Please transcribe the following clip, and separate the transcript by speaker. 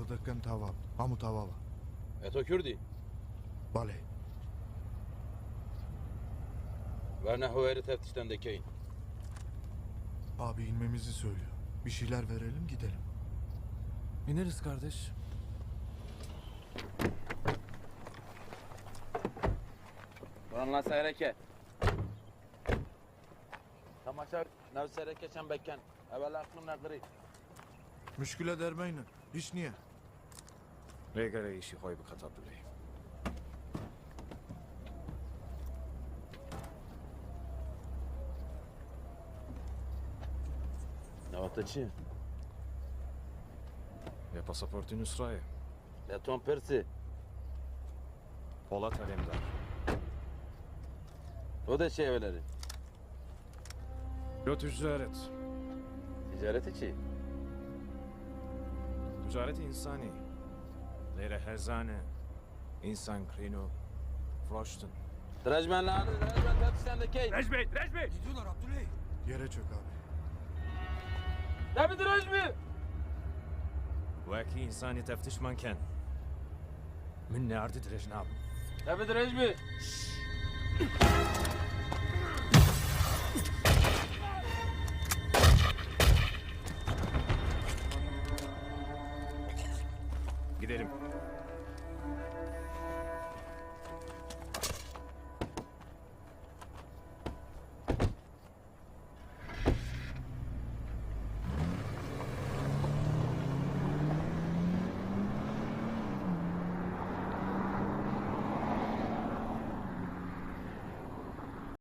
Speaker 1: دکن تاواب همو تاوابا
Speaker 2: تو کردی؟
Speaker 1: بله
Speaker 2: Ve ne huveri teftişten dekeyin.
Speaker 1: abi inmemizi söylüyor. Bir şeyler verelim gidelim.
Speaker 3: İneriz kardeş.
Speaker 2: Buran lan seyreke. Tamaşa nev seyreke sen bekken. Evvel aklımla kırı.
Speaker 1: Müşküle dermeyin. Hiç niye?
Speaker 3: Regare işi koy bu katapülü.
Speaker 2: Ne vakti çi?
Speaker 3: Ya pasaportun Nusra'yı.
Speaker 2: Ne ton persi.
Speaker 3: Polat Alemdar.
Speaker 2: O da şey evleri.
Speaker 3: Yo ticaret.
Speaker 2: Ticareti çi.
Speaker 3: Ticaret insani. Leyre herzane. İnsan krino. Froştun.
Speaker 2: Drajmen lan. Drajmen teftişten dekeyin.
Speaker 3: Recbey! Recbey!
Speaker 1: Yere çök abi.
Speaker 2: Ne bir drajmi?
Speaker 3: Vaki insani teftiş manken. Min ne ardı direjnab.
Speaker 2: Ne bir drajmi?